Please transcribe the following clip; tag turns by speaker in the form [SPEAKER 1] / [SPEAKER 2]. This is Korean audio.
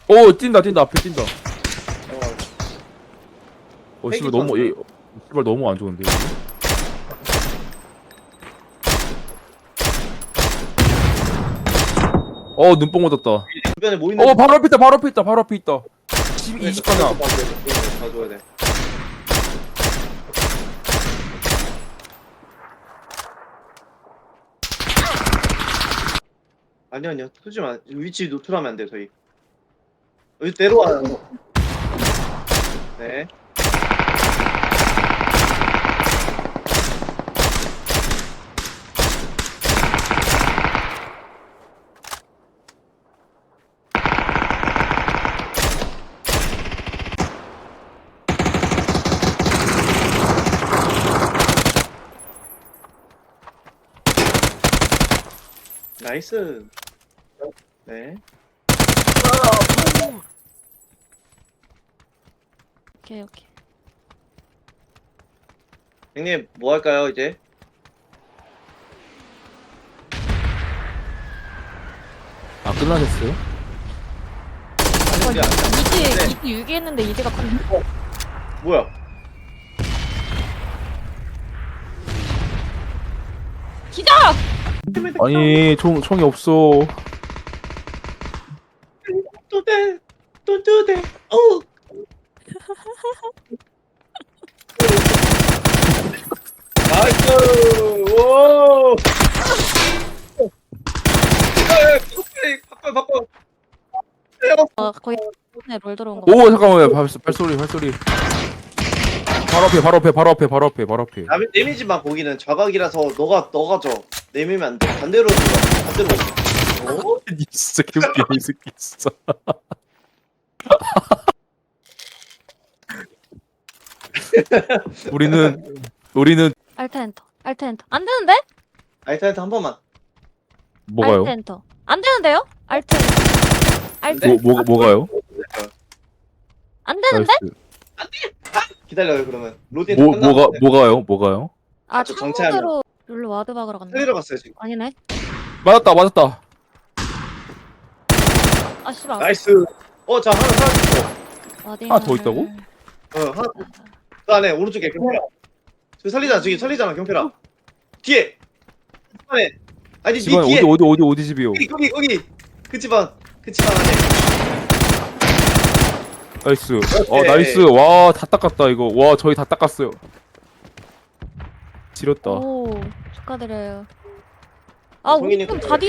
[SPEAKER 1] 오 뛴다 뛴다 앞에 뛴다.
[SPEAKER 2] 어,
[SPEAKER 1] 씨발 너무 씨발 너무 안 좋은데. 눈뽕 얻었다.
[SPEAKER 2] 주변에 뭐 있는지
[SPEAKER 1] 바로 앞에 있다 바로 앞에 있다 바로 앞에 있다. 20방향.
[SPEAKER 2] 봐줘야 돼. 아니요 쏘지 마. 위치 노출하면 안 돼 저희. 여기 내려와. 네. 나이스. 네.
[SPEAKER 3] 오케이 오케이.
[SPEAKER 2] 형님 뭐 할까요 이제?
[SPEAKER 1] 끝나셨어요?
[SPEAKER 2] 아니, 이제 안 돼.
[SPEAKER 3] 이지 유기했는데 이지가 컸네.
[SPEAKER 2] 뭐야?
[SPEAKER 3] 기자!
[SPEAKER 1] 아니 총이 없어.
[SPEAKER 2] 또대 또대 어. 나이스. 오. 바꿔.
[SPEAKER 3] 거의 롤 들어온 거.
[SPEAKER 1] 오 잠깐만요. 발소리. 바로 앞에.
[SPEAKER 2] 내미지만 거기는 자각이라서 너가 줘. 내미면 안 돼. 반대로 들어. 반대로. 오?
[SPEAKER 1] 이 진짜 개웃기네 이 새끼 진짜. 우리는
[SPEAKER 3] 알트 엔터. 안 되는데?
[SPEAKER 2] 알타이트 한 번만.
[SPEAKER 1] 뭐가요?
[SPEAKER 3] 알트 엔터. 안 되는데요? 알트 엔터. 알트.
[SPEAKER 2] 네?
[SPEAKER 1] 뭐가요?
[SPEAKER 3] 안 되는데?
[SPEAKER 1] 나이스.
[SPEAKER 2] 기다려요 그러면. 로딩 끝났는데.
[SPEAKER 1] 뭐가요?
[SPEAKER 3] 아,
[SPEAKER 2] 저 정체하면.
[SPEAKER 3] 창문으로 룰로 와드 박으러 갔네.
[SPEAKER 2] 살리러 갔어요 지금.
[SPEAKER 3] 아니네.
[SPEAKER 1] 맞았다.
[SPEAKER 3] 아, 씨발.
[SPEAKER 2] 나이스. 자 하나 있어.
[SPEAKER 1] 하나 더 있다고?
[SPEAKER 2] 하나. 그 안에 오른쪽에 경필아. 저기 살리잖아 경필아. 뒤에. 집안에. 아니 니
[SPEAKER 1] 집안
[SPEAKER 2] 뒤에.
[SPEAKER 1] 어디 집이요?
[SPEAKER 2] 거기. 그 집안 안에.
[SPEAKER 1] 나이스.
[SPEAKER 2] 오케이.
[SPEAKER 1] 나이스. 와 다 닦았다 이거. 와 저희 다 닦았어요. 지렸다.
[SPEAKER 3] 오, 축하드려요. 아, 우리
[SPEAKER 2] 성인이
[SPEAKER 3] 팀 다 뒤에